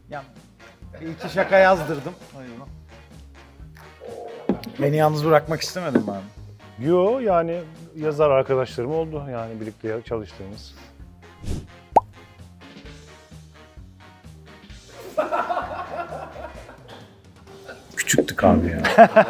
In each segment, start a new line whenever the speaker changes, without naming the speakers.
Ya bir iki şaka yazdırdım. Oyunu. Beni yalnız bırakmak istemedim abi.
Yo yani yazar arkadaşlarım oldu yani birlikte çalıştığımız.
Küçüktük abi ya.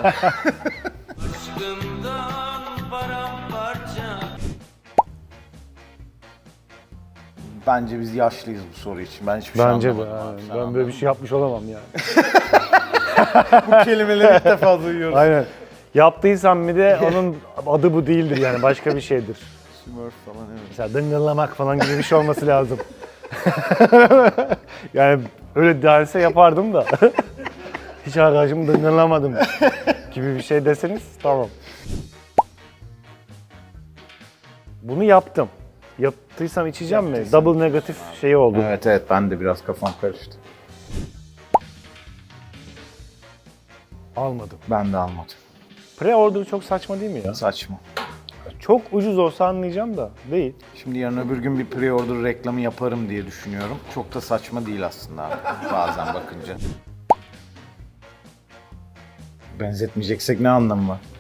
Bence biz yaşlıyız bu soru için. Ben hiçbir şey
Bence de.
anlamadım abi.
Yani.
Sen
Ben böyle bir şey yapmış olamam yani.
bu kelimeleri ilk defa duyuyoruz.
Aynen. Yaptıysam bir de onun adı bu değildir yani başka bir şeydir.
Smurf falan evet.
Mesela dıngıllamak falan gibi bir şey olması lazım. Yani öyle derse yapardım da. Hiç arkadaşımı dıngıllamadım gibi bir şey deseniz tamam. Bunu yaptım. Yaptıysam içeceğim mi? Double negatif şeyi oldu.
Evet ben de biraz kafam karıştı.
Almadım.
Ben de almadım.
Pre-order çok saçma değil mi ya?
Saçma.
Çok ucuz olsa anlayacağım da değil.
Şimdi yarın öbür gün bir pre-order reklamı yaparım diye düşünüyorum. Çok da saçma değil aslında abi, bazen bakınca. Benzetmeyeceksek ne anlamı var?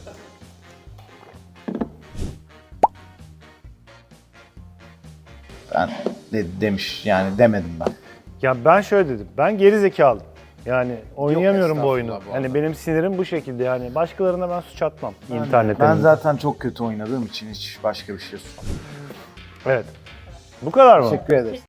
Ben demiş yani demedim ben.
Ya ben şöyle dedim. Ben geri zekalıyım. Yani oynayamıyorum bu oyunu.
estağfurullah bu
Yani
arada.
benim sinirim bu şekilde yani. Başkalarına ben suç atmam internetten.
Ben zaten çok kötü oynadığım için hiç başka bir şey yok.
Evet. Bu kadar mı?
Teşekkür ederiz.